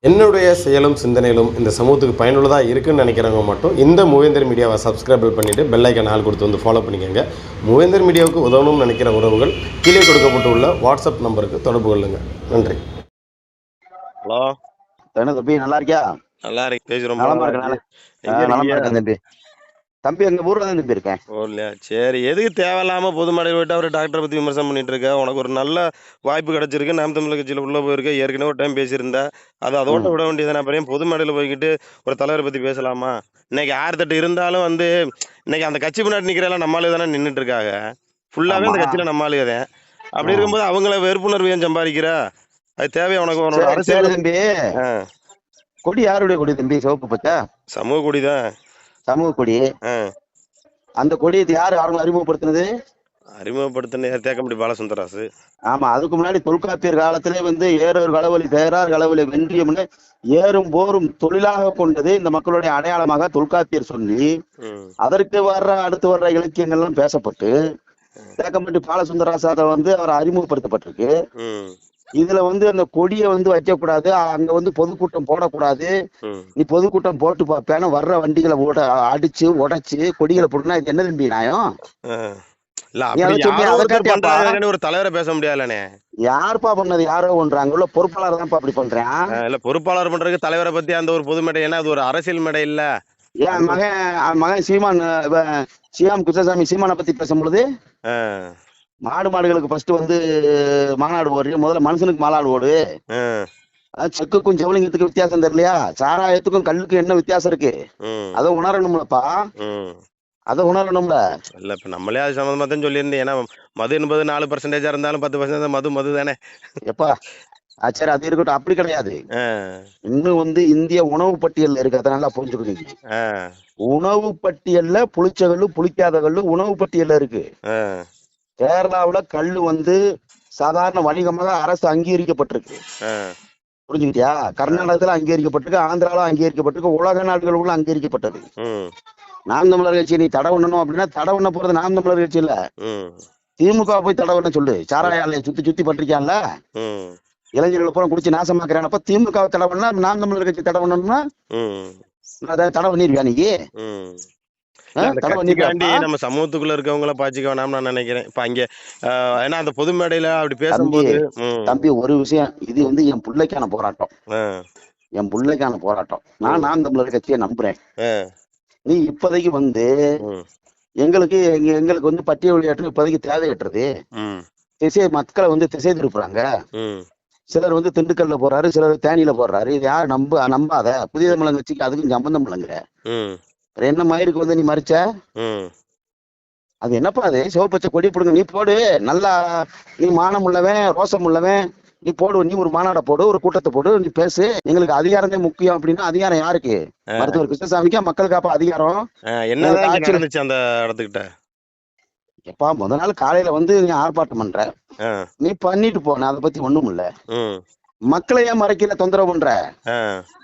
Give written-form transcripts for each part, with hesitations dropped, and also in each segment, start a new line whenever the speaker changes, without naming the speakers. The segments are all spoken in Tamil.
என்னுடைய செயலும் சிந்தனையிலும் இந்த சமூகத்துக்கு பயனுள்ளதாக இருக்குன்னு நினைக்கிறவங்க மட்டும் இந்த மூவேந்தர் மீடியாவை சப்ஸ்கிரைப் பண்ணிவிட்டு பெல் ஐக்கான் ஆல் கொடுத்து வந்து ஃபாலோ பண்ணிக்கோங்க. மூவேந்தர் மீடியாவுக்கு உதவணும்னு நினைக்கிற உறவுகள் கீழே கொடுக்கப்பட்டுள்ள வாட்ஸ்அப் நம்பருக்கு தொடர்பு கொள்ளுங்கள். நன்றி.
ஹலோ,
என்ன தம்பி நல்லா இருக்கியா?
நல்லா இருக்கு. பேசி ரொம்ப
நலமா
நாள்
இருக்கேன்.
ஆச்சு. எங்க
நலமா
இருக்கீங்க?
இருக்கேன் தம்பி. தம்பி எங்க ஊர்ல தான் தம்பி இருக்கேன்.
ஓ இல்லையா, சரி. எதுக்கு தேவையில்லாம பொது மேடையில் போயிட்டு அவர் டாக்டரை பத்தி விமர்சனம் பண்ணிட்டு இருக்க? உனக்கு ஒரு நல்ல வாய்ப்பு கிடைச்சிருக்கு. நாம் தமிழர் கட்சியில் உள்ள போயிருக்க. ஏற்கனவே ஒரு டைம் பேசியிருந்தேன். அதோட
ம்.
விட வேண்டியதானே? அப்புறம் பொது மேடையில் போய்கிட்டு ஒரு தலைவரை பத்தி பேசலாமா? இன்னைக்கு 1008 இருந்தாலும் இன்னைக்கு அந்த கட்சி முன்னாடி நிக்கிறதெல்லாம் நம்ம ஆளுங்க தானே நின்றுட்டு இருக்காங்க. ஃபுல்லாவே
ஆமா.
அந்த கட்சியில நம்ம ஆளுங்க தான். அப்படி
ம்.
இருக்கும்போது அவங்கள வெறுப்புணர்வு ஏன் சம்பாதிக்கிற? அது தேவையா உனக்கு? உன்னோட
சரி
அரசியல்
தம்பி.
ஆ,
கொடி யாருடைய கொடி தம்பி? சிவப்பு பச்சை
சமூக கொடிதான்.
சமூக கொடி.
ஆ,
அந்த கொடியை யாரு அவங்க அறிமுகப்படுத்தினது?
அறிமுகப்படுத்தின தேக்கம்படி பாலசுந்தராசு.
ஆமா, அதுக்கு முன்னாடி தொல்காப்பியர் காலத்திலே ஏறோர் களவழி தேரார் களவழி வென்றியம்னு ஏறும் போரும் தொழிலாக கொண்டது இந்த மக்களுடைய அடையாளமாக தொல்காப்பியர் சொல்லி
ம்,
அதற்கு அடுத்து வர்ற இலக்கியங்கள்லாம் பேசப்பட்டு தேக்கம்பட்டி பாலசுந்தராசாத அவர் அறிமுகப்படுத்தப்பட்டிருக்கு.
ம்,
இதுல அந்த கொடியை வைக்கக்கூடாது, அங்க பொதுக்கூட்டம் போடக்கூடாது.
ம்.
நீ பொதுக்கூட்டம் போட்டு பார்ப்பேன்னு வர்ற வண்டிகளை அடிச்சு உடைச்சு கொடிகளை போட்டுனா இது என்ன தம்பி நியாயம்?
ஆ. இல்ல,
நீ
அப்படி
அதை சொல்லி
யாரோ
அதை
ஒருத்தர்
கேட்டியாப்பா?
பண்றாங்கன்னு ஒரு தலைவரை பேச முடியாதுல்லண்ணே.
யாருப்பா பண்ணது? யாரோ ஒன்றாங்க உள்ள பொறுப்பாளர் தான்ப்பா அப்படி பண்றேன்.
இல்ல, பொறுப்பாளர் பண்றதுக்கு தலைவரை பத்தி அந்த ஒரு பொது மேடை, ஏன்னா அது ஒரு அரசியல் மேடை இல்ல.
என்
அதுக்கு
மகன் சீமான் சியாம் கிருஷ்ணசாமி சீமானை பத்தி பேசும்பொழுது
ஆ,
மாடுகளுக்கு ஃபர்ஸ்ட் மாநாடு ஓடுறீங்க, முதல்ல மனுஷனுக்கு மாநாடு ஓடு.
ஆ,
செக்குக்கும் ஜவுளிங்கத்துக்கு வித்தியாசம் தெரியலையா? சாராயத்துக்கும் கல்லுக்கும் என்ன வித்தியாசம் இருக்கு?
ம்,
அதை உணரணும்லப்பா.
ம்.
அதை உணரணும்ல.
இல்ல, இப்ப நம்மளே அது சம்பந்தமா தான் சொல்லியிருந்தேன். ஏன்னா மது என்பது 4% இருந்தாலும் 10% மது தானே.
எப்பா சரி, அது இருக்கட்டும். அப்படி கிடையாது.
ஆ,
இன்னும் இந்திய உணவு பட்டியல்ல இருக்கு, அதை நல்லா புரிஞ்சுக்கணும்.
ஆ,
உணவு பட்டியல்ல புளிச்ச கல்லு புளிக்காத கல்லு உணவு பட்டியல்ல இருக்கு.
ஆ,
கேரளாவுல கல்லு சாதாரண வணிகமாக அரசு அங்கீகரிக்கப்பட்டிருக்கு.
ஆ,
புரிஞ்சுக்கிட்டியா? கர்நாடகத்துல அங்கீகரிக்கப்பட்டிருக்கு, ஆந்திராவில அங்கீகரிக்கப்பட்டிருக்கு, உலக நாடுகளுக்குள்ள அங்கீகரிக்கப்பட்டது.
ம்,
நாம் தமிழர் கட்சி நீ தடை பண்ணணும் அப்படின்னா தடை பண்ண போறது நாம் தமிழர் கட்சி இல்ல,
ம்,
திமுக போய் தடை பண்ண சொல்லு. சாராய ஆலையை சுத்தி சுத்தி பட்டிருக்கான்ல,
ம்,
இளைஞர்கள் பூரா குடிச்சு நாசமாக்குறானப்ப திமுக தடை பண்ணா நாம் தமிழர் கட்சி தடை பண்ணணும்னா
ம்,
அதை தடை பண்ணிருவியா நீ?
ம். இல்ல, அந்த
தடை
கட்சிக்காண்டி
பண்ணிருவியாப்பா?
நம்ம சமூகத்துக்குள்ள இருக்கவங்கள பாய்ச்சிக்க வேணாம்னு நான் நினைக்கிறேன். இப்ப அங்க ஏன்னா அந்த பொது மேடையில அப்படி
தம்பி
பேசும்போது ம்,
தம்பி ஒரு விஷயம், இது என் பிள்ளைக்கான போராட்டம்.
ஆ,
என் பிள்ளைக்கான போராட்டம். நான்
ம்,
நாம் தமிழர் கட்சியை நம்புறேன்.
ஆ,
நீ இப்போதைக்கு
ம்,
எங்களுக்கு பட்டியல் விளையாட்டு இப்போதைக்கு தேவையற்றது.
ம்,
மக்களை திசை திருப்புறாங்க.
ம்,
சிலர் திண்டுக்கல்ல போறாரு, சிலர் தேனியில போடுறாரு. இது யார் நம்பாத. புதிய தமிழக கட்சிக்கு அதுக்கும் சம்பந்தம் இல்லைங்கிற.
ம்,
என்ன மயிருக்கு நீ மறிச்ச?
ம்,
அது என்னப்பா? அது சிவப்பச்சை கொடி போடுங்க, நீ போடு. நல்லா நீ மானம் உள்ளவன், ரோசம் உள்ளவன், நீ போடு. நீ ஒரு மாநாட போடு, ஒரு கூட்டத்தை போடு, நீ பேசு. எங்களுக்கு அதிகாரமே முக்கியம் அப்படின்னா அதிகாரம் யாருக்கு? மருத்துவர் கிருஷ்ணசாமிக்கா? மக்களுக்காப்பா அதிகாரம்?
என்னதான் இங்க நடந்துச்சு அந்த இடத்துக்கிட்ட?
எப்பா முத நாள் காலையில நீ ஆர்ப்பாட்டம் பண்ற,
ஆ,
நீ பண்ணிட்டு போ, நான் அதை பத்தி ஒண்ணும் இல்ல.
ம்,
மக்களை ஏன் மறைக்கிற தொந்தரவு பண்ற?
ஆ,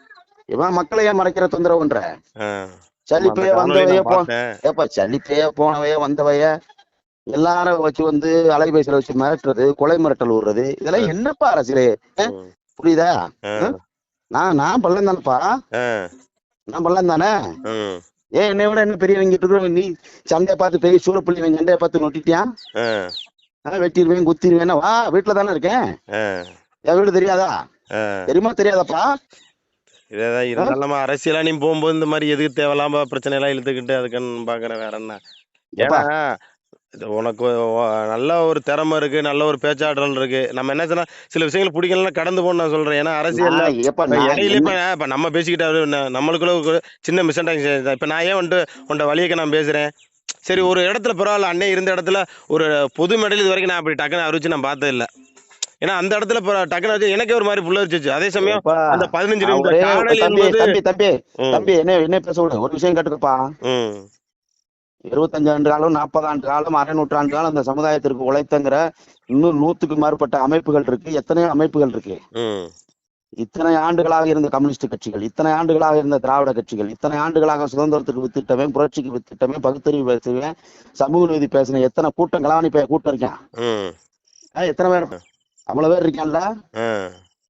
மக்களை ஏன் மறைக்கிற தொந்தரவு பண்ற?
ஆ. ஆமா, அந்த
சலிப்பைய
காணொளி
வந்தவைய
நான் பார்த்தேன்.
ஏப்பா சலிப்பைய போனவைய வந்தவைய எல்லாரும் வச்சு அலைபேசியில வச்சு மிரட்டுறது, கொலை மிரட்டல் விடுறது, இதெல்லாம் என்னப்பா அரசியலே?
ம்,
புரியுதா?
ஆ,
நான் பள்ளம் தானப்பா,
ஆ,
நான் பள்ளம் தானே.
ம்,
என்னை விட என்ன பெரியவங்கிட்டு இருக்கிற நீ? சண்டையை பார்த்து பெரிய சூழப்பள்ளி சண்டையை பார்த்து நொட்டிட்டியான்?
ஆ,
வெட்டிடுவேன் குத்திடுவேன். வா, வீட்டுல தானே இருக்கேன்.
ஆ,
என் வீடு தெரியாதா?
ஆ.
தெரியுமா தெரியாதாப்பா?
இதேதான் இருந்தாலும் நம்ம அரசியலா நீ போகும்போது இந்த மாதிரி எதுக்கு தேவையில்லாம பிரச்சனை எல்லாம் இழுத்துக்கிட்டு அதுக்குன்னு பாக்குறேன். வேற என்ன?
ஏப்பா
ஏன்னா இது உனக்கு நல்ல ஒரு திறமை இருக்கு, நல்ல ஒரு பேச்சாற்றல் இருக்கு. நம்ம என்ன சொன்னா சில விஷயங்கள் பிடிக்கலாம் கடந்து போன்னு நான் சொல்றேன். ஏன்னா அரசியல்ல
நான்
இடையில
என்ன
இப்ப நம்ம பேசிக்கிட்டாரு நம்மளுக்குள்ள ஒரு சின்ன மிஸ் அண்டர்ஸ்டாண்டிங். இப்ப நான் ஏன் உன்ட வழியக்க நான் பேசுறேன். சரி, ஒரு இடத்துல பரவாயில்ல, அண்ணே இருந்த இடத்துல ஒரு பொது மேடையில் இது வரைக்கும் நான் அப்படி டக்குன்னு அறிவிச்சு நான் பார்த்தது இல்லை. ஏன்னா அந்த இடத்துல டக்குன்னு வச்சு எனக்கே ஒரு மாதிரி புள்ளரிச்சிச்சு. அதே சமயம்
ஏப்பா,
அந்த 15
நான்
நிமிஷம்
ஒரே
காணொலி
தம்பி
என்பது
தம்பி தம்பி
ம்,
தம்பி என்ன பேச விடு. ஒரு விஷயம் கேட்டுக்கப்பா.
ம்,
25 ஆண்டு காலம், 40 ஆண்டு காலம், அரை நூற்றாண்டு காலம் அந்த சமுதாயத்திற்கு உழைத்தங்கிற இன்னும் 100க்கு மேற்பட்ட அமைப்புகள் இருக்கு. எத்தனையோ அமைப்புகள் இருக்கு.
ம்,
இத்தனை ஆண்டுகளாக இருந்த கம்யூனிஸ்ட் கட்சிகள், இத்தனை ஆண்டுகளாக இருந்த திராவிட கட்சிகள், இத்தனை ஆண்டுகளாக சுதந்திரத்துக்கு வித்திட்டவன், புரட்சிக்கு வித்திட்டவன், பகுத்தறிவு பேசுவேன், சமூக நீதி பேசின எத்தனை கூட்டங்களா நீ கூட்டம் இருக்கான்?
ம்,
எத்தனை பேர்? அவ்வளவு பேர் இருக்கான்ல.
ஆ,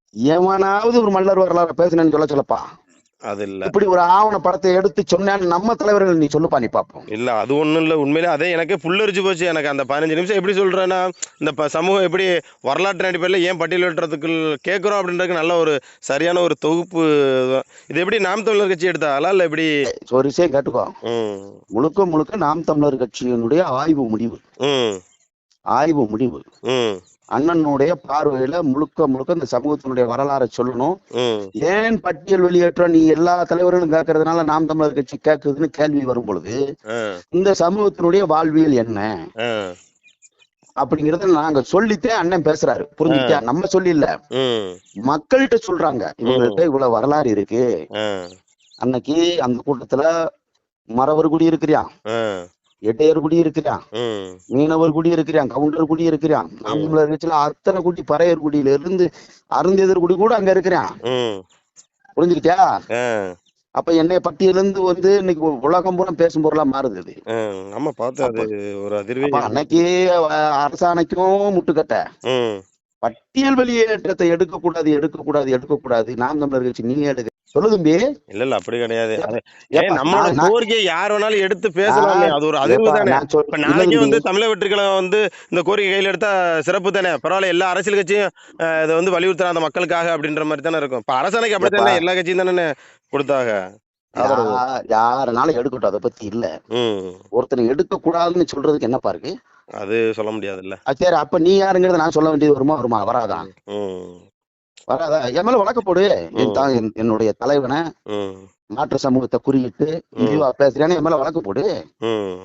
எவனாவது ஒரு மல்லர் வரலாறு பேசுனேன்னு சொல்லப்பா.
அது இல்ல.
இப்படி ஒரு ஆவண படத்தை எடுத்து சொன்னான்னு நம்ம தலைவர்கள் நீ சொல்லுப்பா, நீ பார்ப்போம்.
இல்ல அது ஒண்ணும் இல்ல. உண்மையிலே அதே எனக்கே புல்லரிச்சு போச்சு. எனக்கு அந்த 15 நிமிஷம் எப்படி சொல்றேன்னா, இந்த சமூகம் எப்படி வரலாற்று அடிப்படையில ஏன் பட்டியலிடுறதுக்கு கேட்குறோம் அப்படின்றதுக்கு நல்ல ஒரு சரியான ஒரு தொகுப்பு தான். இது எப்படி நாம் தமிழர் கட்சி எடுத்தாங்களா இல்ல எப்படி?
ஒரு விஷயம் கேட்டுக்கோ.
ம்.
முழுக்க முழுக்க நாம் தமிழர் கட்சியினுடைய ஆய்வு முடிவு.
ம்.
ஆய்வு முடிவு.
ம்.
அண்ணனுடைய பார்வையில முழுக்க முழுக்க இந்த சமூகத்தினுடைய வரலாறை சொல்லணும்.
ம்.
ஏன் பட்டியல் வெளியேற்ற நீ எல்லா தலைவர்களும் கேட்கறதுனால நாம் தமிழர் கட்சி கேட்குதுன்னு கேள்வி வரும் பொழுது
ஆ.
இந்த சமூகத்தினுடைய வாழ்வியல் என்ன
ஆ.
அப்படிங்கறத நாங்க சொல்லித்தே அண்ணன் பேசுறாரு. புரிஞ்சுக்கிட்டா? நம்ம சொல்லி இல்ல,
ம்.
மக்கள்கிட்ட சொல்றாங்க. இவங்கள்ட்ட இவ்வளவு வரலாறு இருக்கு.
ஆ.
அன்னைக்கு அந்த கூட்டத்துல மறவர் குடி இருக்கிறான்,
ஆ.
எட்டையர் குடி இருக்கிறான்,
ம்.
மீனவர் குடி இருக்கிறான், கவுண்டர் குடி இருக்கிறான். நாம் தமிழர் கட்சியில அத்தனை குடி, பறையர் குடியில இருந்து அருந்தேதர் குடி கூட அங்க இருக்கிறான்.
ம்.
புரிஞ்சுக்கிட்டியா?
ஆ.
அப்ப என்னைய பட்டியலிருந்து வந்து இன்னைக்கு உலகம் பூரா பேசும் பொருளா மாறுது அது.
ஆ. ஆமா பார்த்தேன். அது ஒரு அதிர்வே.
அப்ப அன்னைக்கு அரசாணைக்கும் முட்டுக்கட்ட
ம்.
பட்டியல் வெளியேற்றத்தை எடுக்கக்கூடாது. நாம் தமிழர் கட்சி நீ எடுக்க சொல்லு தம்பி.
இல்ல அப்படி கிடையாது. அது
ஏப்பா,
நம்மளோட
நான்
கோரிக்கையை யார் வேணாலும் எடுத்து பேசலாமே. அது ஒரு அதிர்வு
ஏப்பா,
தானே.
நான்
இப்ப
இல்ல
நாளைக்கே
தம்பி.
வந்து தமிழக வெற்றிக்கழகம் வந்து இந்த கோரிக்கை கையில் எடுத்தா சிறப்பு தானே. பரவாயில்ல, எல்லா அரசியல் கட்சியும் இதை வந்து வலியுறுத்துறாங்க அந்த மக்களுக்காக அப்படின்ற மாதிரி தானே இருக்கும். இப்ப அரசாணைக்கு அப்படி
ஏப்பா,
தானே எல்லா கட்சியும் தானே கொடுத்தாங்க ஆதரவு.
யாருனாலும் எடுக்கட்டும், அதை பத்தி இல்ல.
ம்.
ஒருத்தனை எடுக்க கூடாதுன்னு சொல்றதுக்கு என்னப்பா இருக்கு?
அது சொல்ல முடியாது இல்ல.
சரி, அப்ப நீ யாருங்கிறத நான் சொல்ல வேண்டியது வருமா? வராதான்?
ம்.
வராதா? என் மேல வழக்கு போடு.
ம்.
என்னுடைய தலைவனை
ம்.
மாற்று சமூகத்தை குறியிட்டு இழிவா பேசுறேன்னு என் மேல வழக்கு போடு.
ம்.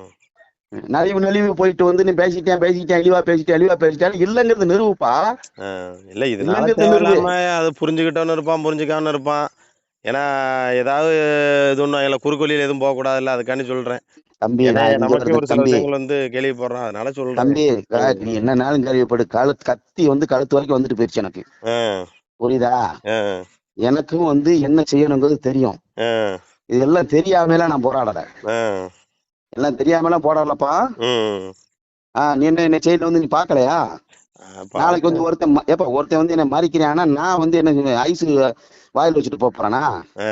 நலிவு போயிட்டு வந்து நீ பேசிட்டேன் இழிவா பேசிட்டேன் இல்லங்கிறது நிறுவுப்பா.
இல்ல இதனால
இல்லங்கிறது நிறுவு.
தேவையில்லாம அது புரிஞ்சுக்கிட்டோன்னு இருப்பான், புரிஞ்சுக்காம இருப்பான். ஏன்னா ஏதாவது இது ஒன்றும் இல்லை, குறுக்கோலியில் எதுவும் போகக்கூடாதுல்ல, அதுக்காண்டி சொல்றேன்.
தம்பி,
ஏன்னா
நான் எங்க
நமக்கே
இருந்தேன்
ஒரு சில
தம்பி.
விஷயங்கள் வந்து கேள்விப்படுறோம், அதனால சொல்றேன்.
தம்பி, நீ என்னன்னாலும் கேள்விப்படு. கத்தி வந்து கழுத்து வரைக்கும் வந்துட்டு போயிடுச்சு எனக்கு.
ஆ.
புரியுதா?
ஆ.
எனக்கும் வந்து என்ன செய்யணுங்கிறது தெரியும்.
ஆ.
இதெல்லாம் தெரியாமலாம் நான் போராடல.
ஆ.
எல்லாம் தெரியாமலாம் போராடலப்பா.
ம்.
நீ என்ன செய்யல வந்து நீ பாக்கலையா? நாளைக்கு வந்து
பார்த்தேன்.
ஒருத்தன் வந்து என்ன மறிக்கிறான்னா நான் வந்து என்ன ஐஸ் வாயில் வச்சுட்டு போறேனா?
ஆ.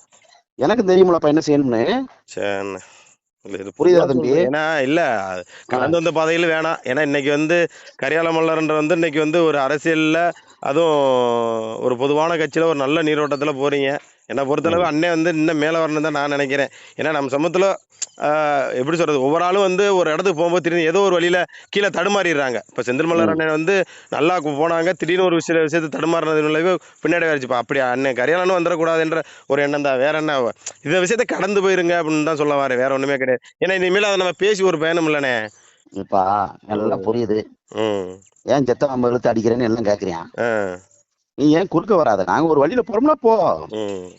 எனக்கு தெரியுமில்லப்பா என்ன செய்யணும்னு.
சரிண்ணே. இல்ல இது
புரியுதா
பொதுவா
தம்பி?
சொல்றேன். ஏன்னா இல்ல கடந்து வந்த பாதையில் வேணாம். ஏன்னா இன்னைக்கு வந்து கரியால மல்லர்ன்ற வந்து இன்னைக்கு வந்து ஒரு அரசியல்ல, அதுவும் ஒரு பொதுவான கட்சியில ஒரு நல்ல நீரோட்டத்துல போறீங்க. என்னை பொறுத்தளவு அண்ணன் வந்து இன்னும் மேலே வரணும் தான் நான் நினைக்கிறேன். ஏன்னா நம்ம சமூகத்தில் எப்படி சொல்றது, ஒவ்வொரு ஆளும் வந்து ஒரு இடத்துக்கு போகும்போது திடீர்னு ஏதோ ஒரு வழியில கீழே தடுமாறிடுறாங்க. இப்போ செந்தில் மலர் அண்ணன் வந்து நல்லா போனாங்க, திடீர்னு ஒரு விஷயத்தை தடுமாறினது விளைவு பின்னாடி ஆயிடுச்சுப்பா. அப்படி அண்ணன் கரியாலன்னு வந்துடக்கூடாதுன்ற ஒரு எண்ணம் தான், வேற என்ன. இந்த விஷயத்த கடந்து போயிருங்க அப்படின்னு தான் சொல்ல வரேன், வேற ஒண்ணுமே கிடையாது. ஏன்னா இனிமேல் அதை நம்ம பேசி ஒரு பயணம் இல்லைண்ணே.
இப்பா எல்லாம் புரியுது.
ம்.
ஏன் செத்தவன் இழுத்து அடிக்கிறேன்னு எல்லாம் கேக்குறியான்.
ஆ.
நீ ஏன் குறுக்க வராத? நாங்க ஒரு வழியில போறோம்னா போ.
ம்.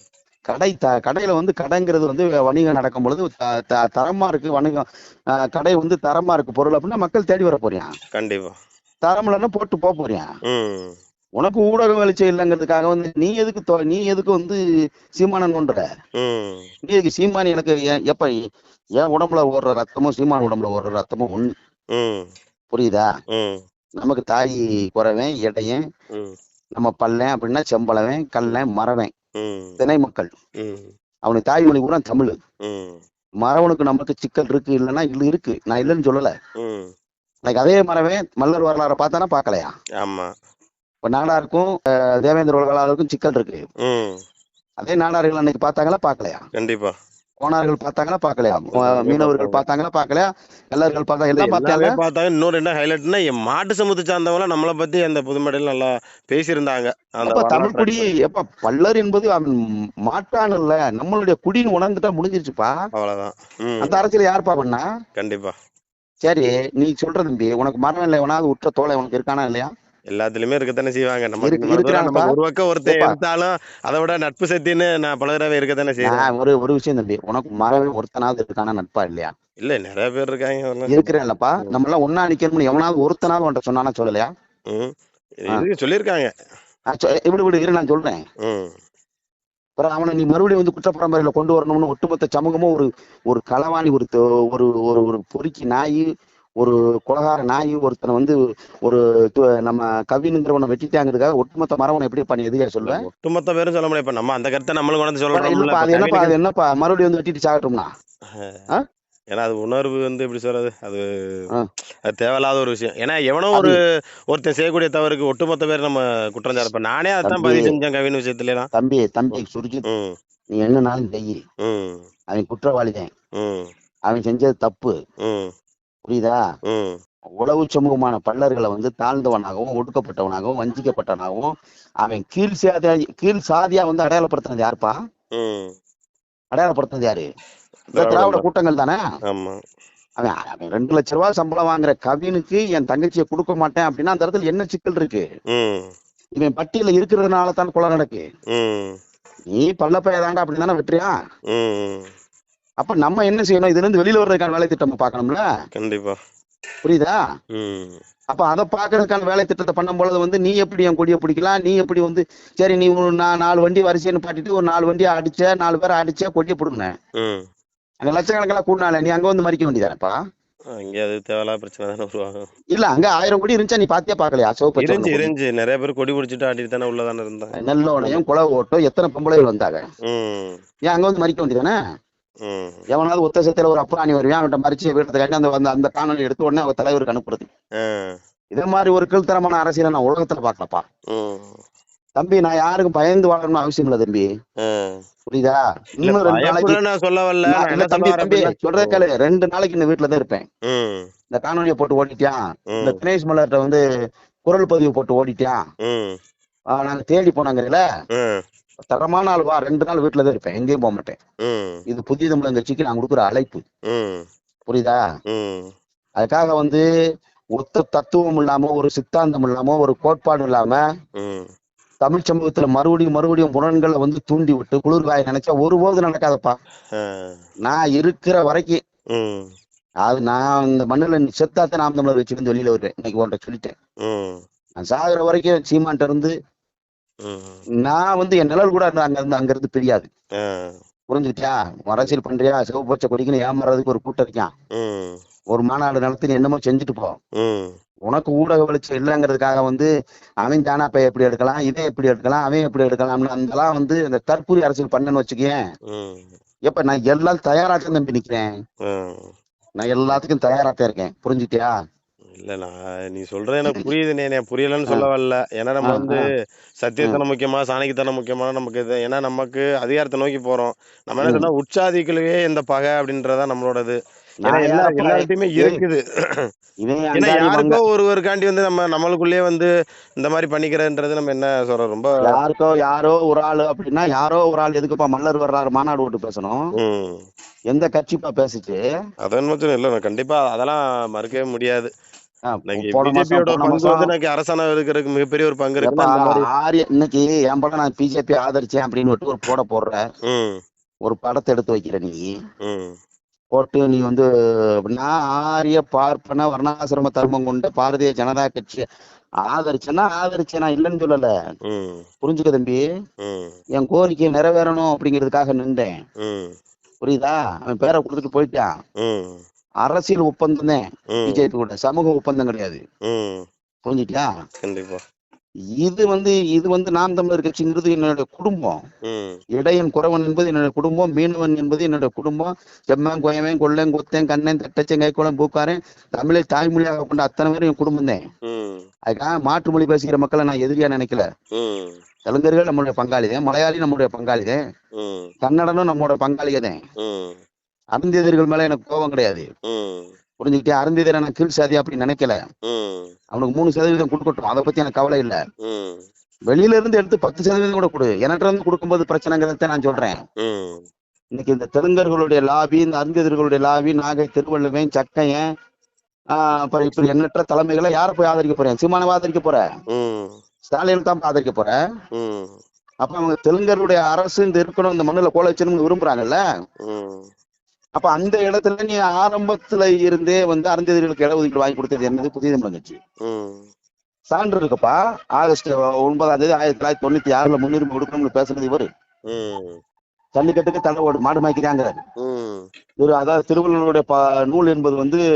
கடையில வந்து கடைங்கிறது வந்து வணிகம் நடக்கும் பொழுது தரமா இருக்கு வணிகம். கடை வந்து தரமா இருக்கு பொருள் அப்படின்னா மக்கள் தேடி வர போறியான்.
கண்டிப்பா.
தரம் இல்லைன்னா போட்டு போறியான்.
ம்.
உனக்கு ஊடக வெளிச்சம் இல்லைங்கிறதுக்காக வந்து நீ எதுக்கு வந்து சீமானன் ஒன்ற?
ம்.
நீ எதுக்கு சீமானி? எனக்கு எப்ப என் உடம்புல ஓடுற ரத்தமும் சீமான் உடம்புல ஓடுற ரத்தமும் ஒண்ணு.
ம்.
புரியுதா?
ம்.
நமக்கு தாய் குறவன் இடையன்,
ம்.
நம்ம பல்லன் அப்படின்னா செம்பளவன், கல்லன், மறவன்,
ம்.
திணை மக்கள்.
ம்.
அவனுக்கு தாய்மொழி பூரா தமிழ்.
ம்.
மறவனுக்கு நமக்கு சிக்கல் இருக்கு இல்லைன்னா இருக்கு, நான் இல்லைன்னு சொல்லல.
ம்.
எனக்கு அதே மறவன் மல்லர் வரலாறை பார்த்தானா பார்க்கலையா?
ஆமா.
இப்ப நாடாருக்கும் தேவேந்திர வரலாறுக்கும் சிக்கல் இருக்கு.
ம்.
அதே நாடார்கள் அன்னைக்கு பார்த்தாங்களா பார்க்கலையா?
கண்டிப்பா.
கோணார்கள் பார்த்தாங்களா பார்க்கலையா? மீனவர்கள் பார்த்தாங்களா பார்க்கலையா? எல்லார்கள் பார்த்தா எல்லாம் பார்த்தாங்க.
பார்த்தாங்க. இன்னொரு என்ன ஹைலைட்னா, என் மாட்டு சமூகத்தை சார்ந்தவங்க நம்மளை பத்தி அந்த புதுமேடையில் நல்லா பேசியிருந்தாங்க. அந்த
தமிழ் குடி பல்லர் என்பது மாட்டான் இல்ல, நம்மளுடைய குடின்னு உணர்ந்துட்டா முடிஞ்சிருச்சுப்பா.
அவ்வளவுதான்.
அந்த அரசியல யாருப்பா பண்ணா?
கண்டிப்பா.
சரி, நீ சொல்ற தம்பி, உனக்கு மரணம் இல்லை எவனாவது உற்ற தோலை உனக்கு இருக்கானா இல்லையா?
எல்லாத்துலயுமே இருக்கத்தானே செய்வாங்க. நம்ம
இருக்கிறாங்கப்பா.
ஒரு பக்கம் ஒருத்தர் எடுத்தாலும் அதை விட நட்பு சத்தின்னு நான் பலதடவை இருக்கத்தானே செய்யறேன்.
ஒரு விஷயம் தம்பி, உனக்கு மறவே ஒருத்தனாவது இருக்கானா நட்பா இல்லையா?
இல்ல நிறைய பேர் இருக்காங்க.
இருக்கிறேன்லப்பா. நம்ம எல்லாம் ஒன்னா நிக்கணும்னு எவனாவது ஒருத்தனாவது உன்ட்ட சொன்னானா சொல்லலையா?
சொல்லியிருக்காங்க.
இப்படி இரு, நான் சொல்றேன். அப்புறம் அவனை நீ மறுபடியும் வந்து குற்றப்பரம்பரையில கொண்டு வரணும்னு ஒட்டுமொத்த சமூகமும் ஒரு களவாணி, ஒரு ஒரு பொறுக்கி நாய், ஒரு கொலகார நாய் ஒருத்தனை வந்து ஒரு நம்ம கவினுங்கிறவனை வெட்டிட்டாங்கிறதுக்காக ஒட்டுமொத்த மரவனை எப்படி பண்ணி எதுக்கா
இல்ல
சொல்லுவேன்?
ஒட்டுமொத்த பேரும் சொல்ல முடியாது. இப்ப நம்ம அந்த கருத்தை நம்மளும் கொண்டு வந்து சொல்றோம்ல.
இல்லப்பா,
இப்ப
அது என்னப்பா
கவினுக்கு
அது என்னப்பா மறுபடியும் வந்து வெட்டிட்டு சாகட்டும்னா? ஆ?
ஏன்னா அது உணர்வு வந்து எப்படி சொல்றது, அது
ஆ.
அது தேவையில்லாத ஒரு விஷயம். ஏன்னா எவனோ
அது
ஒருத்தன் செய்யக்கூடிய தவறுக்கு ஒட்டுமொத்த பேர் நம்ம குற்றம் சாட்டப்ப நானே அதான்
தம்பி
பதிவு செஞ்சேன் கவின் விஷயத்துலாம்.
தம்பி தம்பி
ம்
சுர்ஜித்,
ம்
நீ என்னனாலும் செய்.
ம்
அவன் குற்றவாளி தான்.
ம்
அவன் செஞ்சது தப்பு.
ம்
புரியுதா?
ம்
உளவு சமூகமான பல்லர்களை வந்து தாழ்ந்தவனாகவும் ஒடுக்கப்பட்டவனாகவும் வஞ்சிக்கப்பட்டவனாகவும் அவன் கீழ் சாதியா வந்து அடையாளப்படுத்தினது யாருப்பா?
ம்
அடையாளப்படுத்தினது யாரு? இந்த
திராவிடம்
திராவிட
தான்.
கூட்டங்கள் தானே.
ஆமா.
அவன் அவன் 2 லட்ச ரூபாய் சம்பளம் வாங்குற கவினுக்கு என் தங்கச்சியை கொடுக்க மாட்டேன் அப்படின்னா அந்த இடத்துல என்ன சிக்கல் இருக்கு?
ம்
இவன் பட்டியல இருக்கிறதுனால தான் கொலை நடக்கு.
ம்
நீ பல்லப்பைய தாண்டா அப்படின்னு தானே வெற்றியா?
ம்
அப்ப நம்ம என்ன செய்யணும்? இதுல இருந்து வெளியில வர்றதுக்கான வேலை திட்டம் பார்க்கணும்ல.
கண்டிப்பா.
புரியுதா?
ம்
அப்ப அதை பாக்குறதுக்கான வேலை திட்டத்தை பண்ணும் பொழுது வந்து நீ எப்படி என் கொடியை பிடிக்கலாம்? நீ எப்படி வந்து சரி நீ ஒரு 4 வண்டி வரிசைன்னு பாட்டிட்டு ஒரு 4 வண்டியை அடிச்ச 4 பேரை அடிச்ச கொடியை பிடுங்க.
ம்
அங்க லட்சக்கணக்கெல்லாம் கூட்டினால நீ அங்க வந்து மறிக்க வேண்டியதானப்பா?
இங்கே அது தேவையில்லாத பிரச்சனை தானே உருவாகும்.
இல்ல அங்க 1000 கோடி இருந்துச்சா நீ பாத்தியா பாக்கலையா? சிவப்பு
இருந்துச்சு
கொடி
இருந்துச்சு நிறைய பேர் கொடி பிடிச்சிட்டு ஆட்டிட்டு தானே உள்ளதானே இருந்தாங்க.
நல்லோடையும் குல ஓட்டம் எத்தனை பொம்பளைகள் வந்தாங்க?
ம்
ஏன் அங்க வந்து மறிக்க வேண்டியதானே?
ம்
எவனாவது ஒத்த சத்தில ஒரு அப்புறாணி வருவான், அவன்கிட்ட மறிச்சு வீட்டுக்காட்டி அந்த அந்த காணொலி எடுத்து உடனே அவ தலைவருக்கு அனுப்புறது.
ஆ
இதே மாதிரி ஒரு கீழ்த்தரமான அரசியலை நான் உலகத்துல பாக்கலப்பா.
ம்
தம்பி நான் யாருக்கும் பயந்து வாழணும்னு அவசியம் இல்லை தம்பி.
ஆ
புரியுதா?
இல்ல
இன்னும் 2 நாளைக்கு
பயப்பட நான் சொல்ல வரல. நான்
இல்ல
என்ன சொல்ல
தம்பி
வரேன்
தம்பி
அப்படின்னா
சொல்றத கேளு. 2 நாளைக்கு இந்த வீட்டுல தான் இருப்பேன்.
ம்
இந்த காணொலியை போட்டு ஓடிட்டான், இந்த
ம்
தினேஷ் மலர்கிட்ட வந்து குரல் பதிவு போட்டு ஓடிட்டான்,
ம்
நாங்க தேடி போனாங்கல்ல.
ம்
தரமான ஆள் வா, 2 நாள் வீட்டுல தான் இருப்பேன், எங்கேயும் போக மாட்டேன்.
ம்
இது புதிய தமிழ் கட்சிக்கு நான் கொடுக்குற அழைப்பு.
ம்
புரியுதா?
ம்
அதுக்காக வந்து ஒத்த தத்துவம் இல்லாம ஒரு சித்தாந்தம் இல்லாம ஒரு கோட்பாடு இல்லாம
ம்
தமிழ் சமூகத்துல மறுபடியும் புலன்களை வந்து தூண்டி விட்டு குளிர்காய நினைச்சா ஒருபோது நடக்காதப்பா.
ஆ
நான் இருக்கிற வரைக்கும்
ம்
அது நான் இந்த மண்ணுல செத்தாத்த நாம் தமிழர் வச்சுருந்து வெளியில வருவேன். இன்னைக்கு உன்கிட்ட சொல்லிட்டேன்.
ம்
நான் சாகுற வரைக்கும் சீமான்ட்ட இருந்து
ம்
நான் வந்து என் நிழல் கூட அங்க இருந்து பிரியாது.
ஆ
புரிஞ்சுக்கிட்டியா? அரசியல் பண்றியா? சிவப்பு பச்சை கொடிக்குன்னு ஏமாறதுக்கு ஒரு கூட்டம் இருக்கான்.
ம்
ஒரு மாநாடு நடத்தி நீ என்னமோ செஞ்சுட்டு போ.
ம்
உனக்கு ஊடக வெளிச்சம் இல்லைங்கிறதுக்காக வந்து அவன் தானாப்பை எப்படி எடுக்கலாம், இதை எப்படி எடுக்கலாம், அவன் எப்படி எடுக்கலாம்னு அந்தெல்லாம் வந்து இந்த தற்பூரி அரசியல் பண்ணன்னு வச்சுக்கேன்.
ம்
எப்ப நான் எல்லாம் தயாராக நம்பி நிக்கிறேன். நான் எல்லாத்துக்கும் தயாராத்தான் இருக்கேன். புரிஞ்சுக்கிட்டியா?
இல்ல நான் நீ சொல்றது எனக்கு புரியுதுண்ணே. நான் புரியலன்னு
ஆ,
சொல்ல வரல. ஏன்னா நம்ம
ஆ,
வந்து
ஆ, ம்,
சத்தியத்தனம் முக்கியமா, சாணக்கியத்தனம் முக்கியமா நமக்கு இது. ஏன்னா நமக்கு அதிகாரத்தை நோக்கி போறோம். நம்ம என்ன
ம்.
சொன்னா உற்சாதிகளுவே இந்த பகை அப்படின்றதான் நம்மளோடது. ஏன்னா
நான் யாரப்பா
எல்லார்கிட்டயுமே
ஏய்,
இருக்குது.
இவன்
ஏன்னா
அங்காரி
யாருக்கோ
மங்க
ஒருவருக்காண்டி வந்து நம்மளுக்குள்ளேயே வந்து இந்த மாதிரி பண்ணிக்கிறன்றது நம்ம என்ன சொல்றோம் ரொம்ப.
யாரோ ஒரு ஆளு அப்படின்னா யாரோ ஒரு ஆள் எதுக்குப்பா மல்லர் வர்றாரு மாநாடு ஓட்டு பேசணும்?
ம்
எந்த கட்சிப்பா பேசிச்சு?
அதான் மட்டும் இல்லை, நான் கண்டிப்பா அதெல்லாம் மறுக்கவே முடியாது. இன்னைக்கு
போன
பிஜேபியோட
போன
பங்கு வந்து
மாசம்
எனக்கு அரசாணம் இருக்கிறதுக்கு மிகப்பெரிய ஒரு பங்கு
எப்பா
இருக்குன்னா இந்த மாதிரி.
இன்னைக்கு என் படம் நான் பிஜேபி ஆதரிச்சேன் அப்படின்னு ஒரு போடுற
ம்
ஒரு படத்தை எடுத்து வைக்கிற நீ.
ம்
போட்டு நீ வந்து நான் ஆரிய பார்ப்பன வர்ணாசிரம தர்மம் கொண்ட பாரதிய ஜனதா கட்சி ஆதரிச்சேன்னா இல்லைன்னு சொல்லல.
ம்
புரிஞ்சுக்க தம்பி.
ம்
என் கோரிக்கையை நிறைவேறணும் அப்படிங்கிறதுக்காக நின்றேன்.
ம்
புரியுதா? அவன் பேரை கொடுத்துட்டு போயிட்டான்.
ம்
அரசியல் ஒப்பந்தம் தான்
ம்
பிஜேபி கூட, சமூக ஒப்பந்தம் கிடையாது.
ம்
புரிஞ்சுக்கிட்டா?
கண்டிப்பா.
இது வந்து நாம் தமிழர் கட்சிங்கிறது என்னுடைய குடும்பம்.
ம்
இடையன் குறவன் என்பது என்னுடைய குடும்பம், மீனவன் என்பது என்னுடைய குடும்பம், செம்மன் கோயவன் கொள்ளன் கொத்தன் கண்ணன் தட்டச்சன் கைக்குளம் பூக்காரன் தமிழை தாய்மொழியாக கொண்ட அத்தனை பேரும் என் குடும்பம் தான்.
ம்
அதுக்காக மாற்று மொழி பேசுகிற மக்களை நான் எதிரியா நினைக்கல.
ம்
தெலுங்கர்கள் நம்மளுடைய பங்காளி தான், மலையாளி நம்மளுடைய பங்காளி தான்,
ம்
கன்னடனும் நம்மளோட பங்காளிக தான்.
ம்
அருந்தியதர்கள் மேல எனக்கு கோபம் கிடையாது.
ம்
புரிஞ்சுக்கிட்டே? அருந்தியதரை நான் கீழ் சாதி அப்படி நினைக்கல.
ம்
அவனுக்கு 3% கொடுக்கட்டும், அதை பத்தி எனக்கு கவலை இல்லை.
ம்
வெளியில இருந்து எடுத்து 10% கூட கொடு, என்கிட்ட இருந்து கொடுக்கும்போது பிரச்சனைங்கிறத நான் சொல்றேன்.
ம்
இன்னைக்கு இந்த தெலுங்கர்களுடைய லாபி, இந்த அருந்தியதர்களுடைய லாபி, நாகை திருவள்ளுவன் சக்கையன் அப்புறம் இப்படி எண்ணற்ற தலைமைகளை யாரை போய் ஆதரிக்க போறேன்? சீமானவா ஆதரிக்க போற?
ம்
ஸ்டாலின் தான் ஆதரிக்க போற?
ம்
அப்ப அவங்க தெலுங்கருடைய அரசு இந்த இருக்கணும், இந்த மண்ணுல கோல வச்சிருன்னு விரும்புறாங்கல்ல.
ம்
அப்ப அந்த இடத்துல நீ ஆரம்பத்துல இருந்தே வந்து அருந்தியதர்களுக்கு இடஒதுக்கீடு வாங்கி கொடுத்தது என்னது? புதிய தமிழ் கட்சி.
ம்
சான்று இருக்குப்பா. ஆகஸ்ட் 9ஆம் தேதி 1996 முன்னுரிமை கொடுக்கணும்னு பேசுனது இவரு.
ம்
ஜல்லிக்கட்டுக்கு தடை ஓடு மாடு மாய்க்கிறாங்க.
ம்
அதாவது திருவள்ளுவருடைய நூல் என்பது வந்து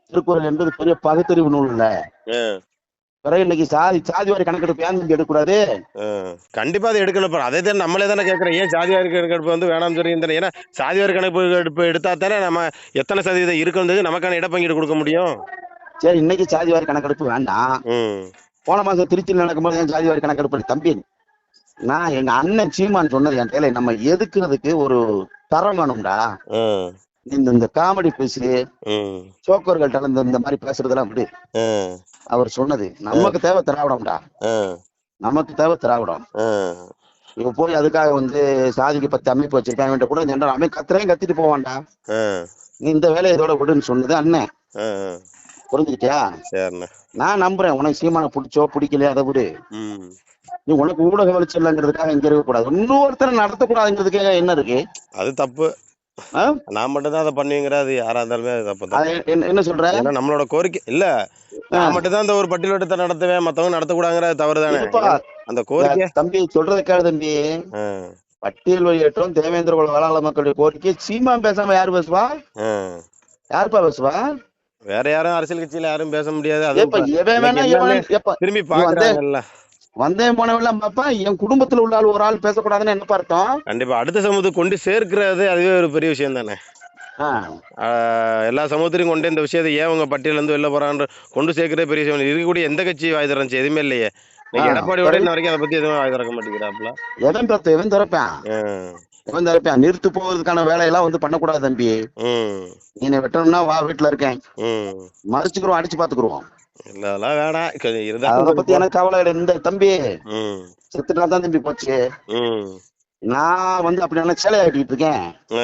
திருக்குறள் என்பது பெரிய பகுத்தறிவு நூல் இல்ல.
ஆ,
பிறகு இன்னைக்கு சாதி வாரி கணக்கெடுப்பு ஏன் தம்பி எடுக்கக்கூடாது?
ஆ. கண்டிப்பா அது எடுக்கணும். இப்ப அதே தான் நம்மளே தானே கேட்கிறோம். ஏன் சாதிவாரி கணக்கெடுப்பு வந்து வேணாம்னு சொல்லி ஏன்னா சாதிவாரி கணக்கெடுப்பு எடுத்தா தானே நம்ம எத்தனை சதவீதம் இருக்குன்றது நமக்கான இடப்பங்கீடு கொடுக்க முடியும்.
சரி, இன்னைக்கு சாதி வாரி கணக்கெடுப்பு வேண்டாம்.
ம்.
போன மாசம் திருச்சியில் நடக்கும்போது ஏன் சாதி வாரி கணக்கெடுப்பு? தம்பி, நான் எங்க அண்ணன் சீமான் சொன்னது என் கையில, நம்ம எதுக்குறதுக்கு ஒரு தரம் வேணும்டா.
ஆ,
இந்த இந்த காமெடி பேசி
ம்.
சோக்கர்கள்ட்ட இந்த மாதிரி பேசுறதெல்லாம் விடு.
ஆ,
அவர் சொன்னது நமக்கு தேவை திராவிடம்டா.
ஆ,
நமக்கு தேவை திராவிடம்.
ஆ,
இவ போய் அதுக்காக வந்து சாதிக்கு 10 அமைப்பு வச்சிருக்காங்க கூட இந்த அவன் கத்திட்டு போவான்டா.
ஆ,
நீ இந்த வேலையை இதோட விடுன்னு சொன்னது அண்ணன்.
ஆ.
புரிஞ்சுக்கிட்டியா?
சரிண்ணே.
நான் நம்புறேன், உனக்கு சீமான பிடிச்சோ பிடிக்கலையோ அதை விடு.
ம்.
நீ உனக்கு ஊடக வெளிச்சம் இல்லைங்கிறதுக்காக இங்க இருக்கக்கூடாது, இன்னொருத்தரை நடத்தக்கூடாதுங்கிறதுக்காக என்ன இருக்கு?
அது தப்பு.
ஆ?
நான் மட்டும் தான் அதை பண்ணுவீங்கிற, அது யாரா இருந்தாலுமே அது தப்பு தான்.
அது என்ன சொல்ற?
ஏன்னா நம்மளோட கோரிக்கை இல்ல, நான் மட்டும் தான் இந்த ஒரு பட்டியலிட்டத்தை நடத்துவேன், மத்தவங்க நடத்தக்கூடாதுங்கிற தவறு தானே.
இருப்பா.
அந்த கோரிக்கை.
தம்பி சொல்றத கேளு தம்பி.
ஆ,
பட்டியல் வெளியேற்றம் தேவேந்திர குல வேளாள மக்களுடைய கோரிக்கை சீமான் பேசாம யாரு பேசுவா?
ஆ.
யாருப்பா பேசுவா?
வேற யாரும் அரசியல் கட்சியில யாரும் பேச முடியாது. அதுவும்
ஏப்பா,
இப்ப
எவன் வேணா
இன்னைக்கு எல்லாமே
எப்ப
திரும்பி
நீ
பாக்குறாங்கல்ல.
வந்தேன் போனவெல்லாம் பாப்பா, என் குடும்பத்துல உள்ள ஆள் ஒரு ஆள் பேசக்கூடாதுன்னு என்ன அர்த்தம்?
கண்டிப்பா அடுத்த சமூகத்துக்கு கொண்டு சேர்க்கிறது அதுவே ஒரு பெரிய விஷயம் தானே.
ஆ,
எல்லா சமூகத்திலையும் கொண்டு இந்த விஷயத்தை ஏன் உங்க பட்டியல இருந்து வெளில போறான்னு கொண்டு சேர்க்கறதே பெரிய விஷயம். இருக்கக்கூடிய எந்த கட்சி வாய் திறந்துச்சு? எதுவுமே இல்லையே. இன்னைக்கு எடப்பாடியோட
சரி.
இன்ன வரைக்கும் அதை பத்தி எதுவும் வாய் திறக்க மாட்டேங்கிறாப்புல.
எவன் திறப்பான்? எவன் திறப்பான்? நிறுத்து போவதற்கான வேலையெல்லாம் வந்து பண்ணக்கூடாது தம்பி.
ம்,
நீ வெட்டணும்னா வா, வீட்டுல இருக்கேன்,
ம்.
மறைச்சுக்கிறோம், அடிச்சு பாத்துக்குருவோம்.
இல்ல அதெல்லாம் வேணாம்.
அதை
இருந்தாலும்
பத்தி எனக்கு கவலை இல்லை. இந்த தம்பி
ம்,
செத்துட்டா தான் தம்பி போச்சு.
ம்.
நான் வந்து அப்படி நல்லா சேலை ஆட்டிட்டு இருக்கேன்.
ஆ,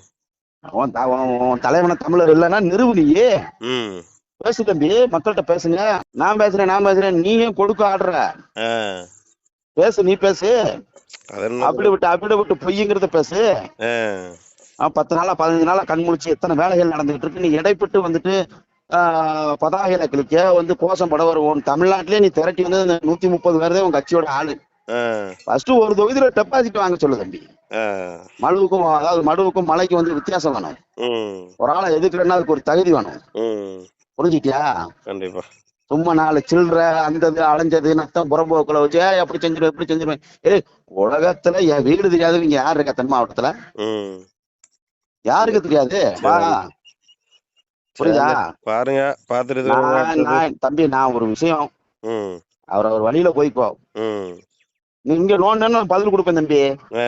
உன் தலைவன தமிழர் இல்லைன்னா நிறுவனியே
ம்.
பேசு தம்பி, மக்கள்கிட்ட பேசுங்க. நான் பேசுறேன், நீயும் கொடுக்க ஆடுற.
ஆ.
பேசு, நீ பேசு.
அது என்ன?
அப்படி விட்டு பொய்யுங்கிறத பேசு.
ஆ,
10 நாளா 15 நாளா கண் முழிச்சு எத்தனை வேலைகள் நடந்துகிட்டு இருக்கு. நீ இடைப்பட்டு வந்துட்டு பதாகையில கிளிக்க வந்து கோஷம் பட வருவோம். தமிழ்நாட்டிலே நீ திரட்டி வந்து 130 பேர் தான் உன் கட்சியோட ஆளு.
ஆ,
ஃபர்ஸ்ட் ஒரு தொகுதியில டெபாசிட் வாங்க சொல்லு தம்பி.
ஆ.
மடுவுக்கும் மலைக்கும் வந்து வித்தியாசம் வேணும்.
ம்,
ஒரு ஆளை எதுக்குறேன்னா அதுக்கு ஒரு தகுதி வேணும்.
ம்.
புரிஞ்சுக்கிட்டியா?
கண்டிப்பா.
சும்மா 4 சில்லற அந்தது அலைஞ்சது நத்தம் புறம்போக்குல வச்சு எப்படி செஞ்சிருவேன் எப்படி செஞ்சிருவேன். உலகத்துல என் வீடு தெரியாது இங்க யாரு இருக்கா தென் மாவட்டத்துல?
ம்.
யாருக்கு தெரியாது? வா, புரியுதா?
பாருங்க, பாத்துட்டு
தம்பி, நான் ஒரு விஷயம்,
ம்,
அவர் வழியில போய்க்கோ.
ம்.
நீ இங்க நோண்டா பதில் கொடுப்பேன் தம்பி.
ஆ.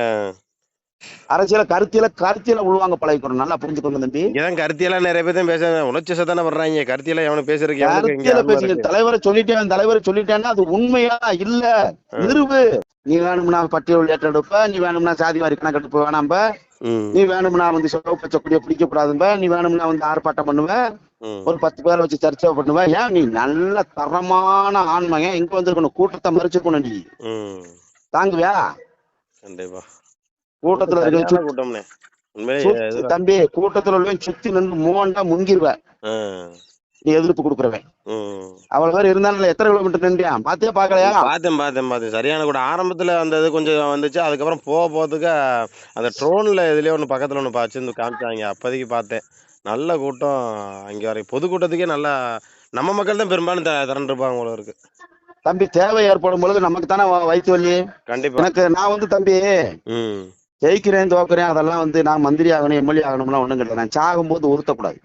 கருத்தியல உள்வாங்க பழகிக்கணும், நல்லா புரிஞ்சுக்கோங்க தம்பி.
இங்கதான் கருத்தியெல்லாம் நிறைய பேர் தான் பேசுறாங்க. உணர்ச்சி சத்தானே வர்றாங்க. கருத்தியெல்லாம் எவனும் பேசுறதுக்கு
கருத்தியல பேசுங்க. தலைவரை சொல்லிட்டேன்னா அது உண்மையா இல்ல நிறுவு. நீ வேணும்னா பட்டியல் ஏற்றெடுப்ப, நீ வேணும்னா சாதி வாரி கணக்கெடுப்பு வேணாம்ப, நீ வேணும்னா வந்து சிவப்பு கொடியை பிடிக்க கூடாதும்ப, நீ வேணும்னா வந்து ஆர்ப்பாட்டம் பண்ணுவேன், ஒரு 10 பேரை வச்சு சர்ச்சை பண்ணுவேன். ஏன் நீ நல்ல தரமான ஆண்மையன் இங்க வந்திருக்கணும், கூட்டத்தை மறைச்சிருக்கணும். நீ தாங்குவியா?
கண்டிப்பா.
கூட்டத்துல
கூட்டம்னே
தம்பி, கூட்டத்துல உள்ள சுத்தி நின்று மூவண்டா முங்கிருவ. நீ எதிர்ப்பு கொடுக்குறவன் அவ்வளவு பேர் இருந்தாலும் எத்தனை கிலோமீட்டர் நின்றியான் பாத்தியா? பாக்கலையா?
பார்த்தேன். சரியான கூட ஆரம்பத்துல அந்த இது கொஞ்சம் வந்துச்சு. அதுக்கப்புறம் போறதுக்கு அந்த ட்ரோன்ல இதுலயே ஒண்ணு பக்கத்துல ஒண்ணு வச்சிருந்து காமிச்சாங்க. அப்போதைக்கு பார்த்தேன். நல்ல கூட்டம். அங்க வரை பொதுக்கூட்டத்துக்கே நல்லா நம்ம மக்கள் தான் பெரும்பாலும் திரண்டு இருப்பாங்க போல இருக்கு.
தம்பி, தேவை ஏற்படும் பொழுது நமக்கு தானே வயிற்று வலி.
கண்டிப்பா.
எனக்கு நான் வந்து தம்பி ஜெயிக்கிறேன் தோக்குறேன் அதெல்லாம் வந்து நான் மந்திரி ஆகணும் எம்எல்ஏ ஆகணும்லாம் ஒண்ணும் கிடையாது. நான் சாகும்போது உறுத்தக்கூடாது.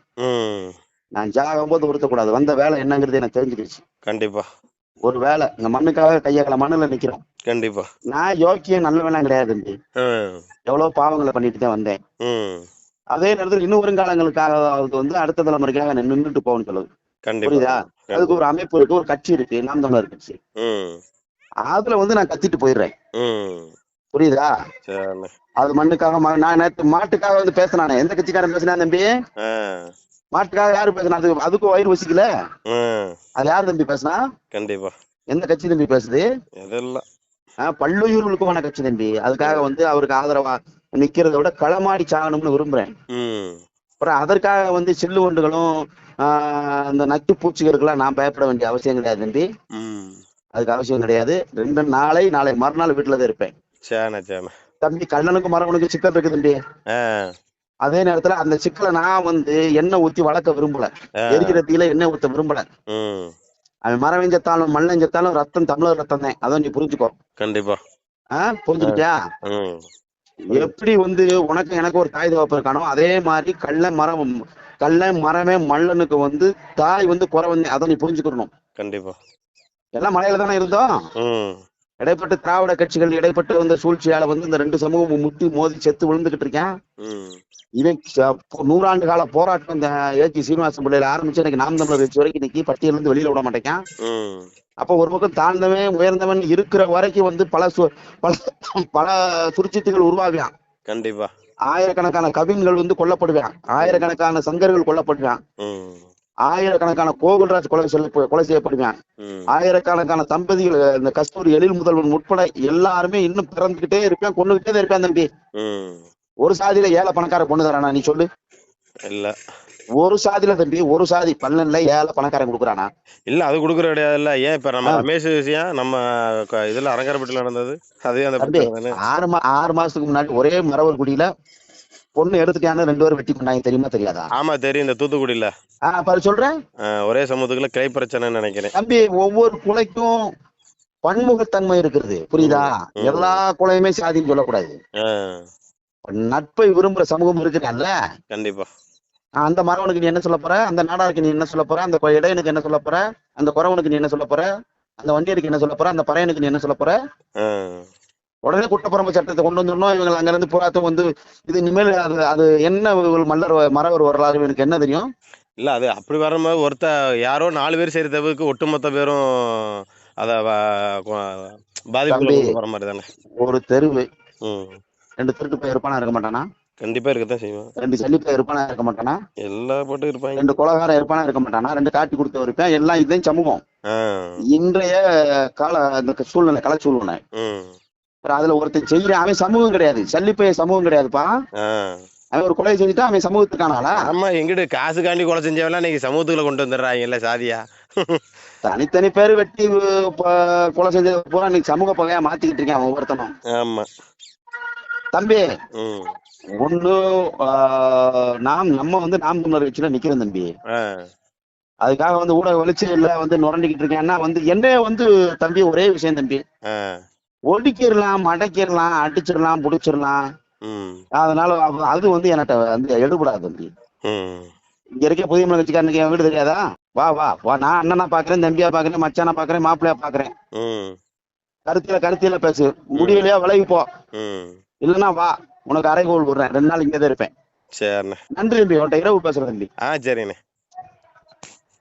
வந்த வேலை என்னங்கிறது எனக்கு தெரிஞ்சுக்கிடுச்சு.
கண்டிப்பா.
ஒரு வேலை இந்த மண்ணுக்காக கையகல மண்ணுல நிக்கிறோம்.
கண்டிப்பா.
நான் யோக்கியம் நல்லவெல்லாம் கிடையாது தம்பி. எவ்வளவு பாவங்களை பண்ணிட்டு தான் வந்தேன். அதே நேரத்தில் இன்னும் வருங்காலங்களுக்காக வந்து அடுத்த தலைமுறைக்காக நின்றுட்டு போகணும்னு சொல்லுது. புரியுதா? அதுக்கு ஒரு அமைப்பு இருக்கு, ஒரு கட்சி இருக்கு, நாம் தமிழர் கட்சி. அதுல வந்து நான் கத்திட்டு போயிடுறேன். புரியுதா? அது மண்ணுக்காக. நான் நேற்று மாட்டுக்காக வந்து பேசினானே, எந்த கட்சிக்காரன் பேசினா தம்பி? மாட்டுக்காக யாரு பேசுனா? அதுக்கும் வயிறு வசிக்கல. அது யாரு தம்பி பேசுனா?
கண்டிப்பா.
எந்த கட்சி தம்பி பேசுது? பல்லுயிர்களுக்குமான கட்சி தம்பி. அதுக்காக வந்து அவருக்கு ஆதரவா நிக்கிறத விட களமாடி சாகணும்னு விரும்புறேன். அப்புறம் அதற்காக வந்து சில்லு ஒன்றுகளும் இந்த நச்சு பூச்சிகளுக்கெல்லாம் நான் பயப்பட வேண்டிய அவசியம் கிடையாது தம்பி. அதுக்கு அவசியம் கிடையாது. 2 நாளை மறுநாள் வீட்டுலதான் இருப்பேன். தம்பி, கண்ணனுக்கும் மரவனுக்கும் சிக்கல் இருக்கு தம்பி. அதே நேரத்துல அந்த சிக்கலை நான் வந்து எண்ணெய் ஊத்தி வளர்க்க விரும்பல,
ஆ.
எரிக்கிற தீயில எண்ணெய் ஊத்த விரும்பல.
ம்.
அவன் மரவெஞ்சத்தாலும் மண்ணெஞ்சத்தாலும் ரத்தம் தமிழர் ரத்தம் தான், அதான் நீ புரிஞ்சுக்கோ.
கண்டிப்பா.
புரிஞ்சுக்கிட்டியா?
ம். புரியுது.
எப்படி வந்து உனக்கு எனக்கு ஒரு தாய் தகப்பன் இருக்கானோ அதே மாதிரி கள்ள மரமே மல்லனுக்கு வந்து தாய் வந்து குறவன், அதை நீ புரிஞ்சுக்கணும்.
கண்டிப்பா.
எல்லாம் மலையில தானே இருந்தோம்.
ம்.
இடைப்பட்டு திராவிட கட்சிகள் இடைப்பட்டு வந்த சூழ்ச்சியால வந்து இந்த ரெண்டு சமூகம் முட்டி மோதி செத்து விழுந்துகிட்டு இருக்கேன்.
ம்.
இவன் 100 ஆண்டு கால போராட்டம் இந்த ஏகி சீனிவாசன் பிள்ளையில ஆரம்பிச்சு எனக்கு நாம் தமிழர் கட்சி வரைக்கும் இன்னைக்கு பட்டியல இருந்து வெளியில விட மாட்டேங்கான்.
ம்.
அப்ப ஒரு பக்கம் தாழ்ந்தவன் உயர்ந்தவன் இருக்கிற வரைக்கும் வந்து பல சுருச்சித்துகள் உருவாகுவான்.
கண்டிப்பா.
ஆயிரக்கணக்கான கவின்கள் வந்து கொல்லப்படுவான், ஆயிரக்கணக்கான சங்கர்கள் கொல்லப்படுவான்,
ம்.
ஆயிரக்கணக்கான கோகுல்ராஜ் கொலை செய்யப்படுவான்,
ம்.
ஆயிரக்கணக்கான தம்பதிகள் இந்த கஸ்தூரி எழில் முதல்வன் உட்பட எல்லாருமே இன்னும் பிறந்துகிட்டே இருப்பான், கொண்டுகிட்டே தான் இருப்பான் தம்பி.
ம்.
ஒரு சாதியில ஏழை பணக்கார பொண்ணு தரானா நீ சொல்லு?
இல்ல
ஒரு சாதியில தம்பி, ஒரு சாதி பல்லன்ல ஏழை பணக்காரன் கொடுக்குறானா?
இல்ல அது கொடுக்குற கிடையாதுல்ல. ஏன் இப்ப நம்ம ரமேஷ் விஷயம் நம்ம இதுல அரங்கரப்பட்டில நடந்தது அதே அந்த
தம்பி
பிரச்சனை தானே.
6 மாசத்துக்கு முன்னாடி ஒரே மரவர் குடியில பொண்ணு எடுத்துட்டான்னு 2 பேரும் வெட்டி கொண்டாங்க, தெரியுமா தெரியாதா?
ஆமா தெரியும், இந்த தூத்துக்குடியில
பாரு சொல்றேன்
ஒரே சமூகத்துக்குள்ள கிளை பிரச்சனைன்னு நினைக்கிறேன்.
தம்பி. ஒவ்வொரு குலைக்கும் பன்முகத்தன்மை இருக்கிறது, புரியுதா?
ம்.
எல்லா குலையுமே சாதின்னு சொல்லக்கூடாது.
ஆ.
நட்பை விரும்புற சமூகம் இருக்கிறான்ல,
கண்டிப்பா.
அந்த மரவனுக்கு நீ என்ன சொல்ல போற, அந்த நாடாருக்கு நீ என்ன சொல்ல போற, அந்த இடையனுக்கு என்ன சொல்ல போற, அந்த குறவனுக்கு நீ என்ன சொல்ல போற, அந்த வண்டியருக்கு என்ன சொல்ல போற, அந்த பறையனுக்கு நீ என்ன சொல்ல போற?
ஆ.
உடனே குற்றப்புறம்பு சட்டத்தை கொண்டு வந்துடணும். இவங்க அங்க இருந்து புறாத்த வந்து இது இனிமேல் அது என்ன மரவர் வரலாறு எனக்கு என்ன தெரியும்?
இல்ல அது அப்படி வரும்போது யாரோ 4 பேர் செய்யற தவிர்க்கு ஒட்டுமொத்த பேரும் அத பாதிப்புக்குள்ள
தம்பி
கொண்டு போற மாதிரி தானே.
ஒரு தெருவு
ம்.
2 திருட்டு போய் இருப்பானா இருக்க மாட்டானா?
கண்டிப்பா இருக்கத்தான் செய்வோம்.
2 சல்லிப்பை இருப்பானா இருக்க மாட்டானா?
எல்லா போட்டு இருப்பாங்க.
2 கொலகாரம் இருப்பானா இருக்க மாட்டானா? 2 காட்டி கொடுத்து இருப்பேன். எல்லாம் இதுதான் சமூகம்.
ஆ.
இன்றைய கால இந்த சூழ்நிலை, கல சூழ்நிலை.
ம்.
அதுல ஒருத்தன் செய்யறான், அவன் சமூகம் கிடையாது, சல்லிப்பைய சமூகம் கிடையாதுப்பா.
ஆ.
அவன் ஒரு கொலை செஞ்சுட்டா அவன் சமூகத்துக்கானாலா?
ஆமா, எங்கிட்டு காசுக்காண்டி கொலை செஞ்சவெல்லாம் இன்னைக்கு சமூகத்துக்குள்ள கொண்டு வந்துடுறாங்க இல்ல சாதியா.
தனித்தனி பேர் வெட்டி கொலை செஞ்சது பூரா இன்னைக்கு சமூக பகையா மாத்திக்கிட்டு இருக்கான் ஒவ்வொருத்தனும்.
ஆமா.
தம்பி
ம்.
ஒண்ணு நம்ம வந்து நாம் தமிழர் கட்சியில நிக்கிறோம் தம்பி.
ஆ.
அதுக்காக வந்து ஊடக வெளிச்சையில வந்து நுரண்டிக்கிட்டு இருக்கேன்னா வந்து என்ன வந்து தம்பி ஒரே விஷயம் தம்பி,
ஆ.
ஒடுக்கிடலாம், மடக்கிடலாம், அடிச்சிடலாம், புடிச்சிடலாம்.
ம்.
அதனால அது வந்து என்கிட்ட வந்து எடுபடாது தம்பி.
ம்.
இங்க இருக்க புதிய மலை கட்சிக்காரனுக்கு என் வீடு தெரியாதா? வா வா வா, நான் அண்ணனா பாக்குறேன், தம்பியா பாக்குறேன், மச்சானா பாக்குறேன், மாப்பிள்ளையா பாக்குறேன்.
ம்.
கருத்தில பேசு, முடியலையா விலகி போ,
ம்.
இல்லன்னா வா, உனக்கு அறைகோல் விடுறேன், 2 நாள் இங்கதான் இருப்பேன்.
சரிண்ணே.
நன்றி தம்பி, உன்கிட்ட இரவு பேசுறேன் தம்பி.
சரிண்ணே.